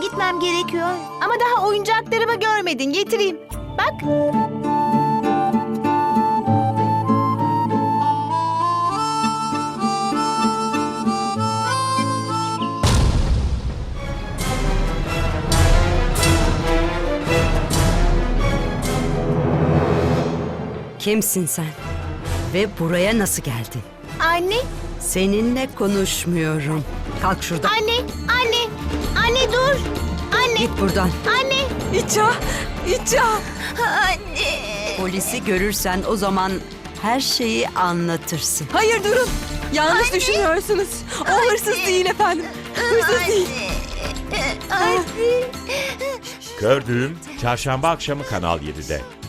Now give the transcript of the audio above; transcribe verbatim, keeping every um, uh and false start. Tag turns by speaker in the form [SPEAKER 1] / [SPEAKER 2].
[SPEAKER 1] gitmem gerekiyor.
[SPEAKER 2] Ama daha oyuncaklarımı görmedin. Getireyim. Bak.
[SPEAKER 3] Kimsin sen? Ve buraya nasıl geldin?
[SPEAKER 2] Anne,
[SPEAKER 3] Seninle konuşmuyorum. Kalk şuradan.
[SPEAKER 2] anne, anne, anne dur. Anne,
[SPEAKER 3] Git buradan.
[SPEAKER 2] anne.
[SPEAKER 4] İça, İça.
[SPEAKER 1] Anne.
[SPEAKER 3] Polisi görürsen o zaman her şeyi anlatırsın.
[SPEAKER 4] Hayır durun. Yanlış düşünüyorsunuz. O hırsız değil efendim. Hırsız değil.
[SPEAKER 1] Anne.
[SPEAKER 5] Gördüğüm Çarşamba akşamı Kanal yedide.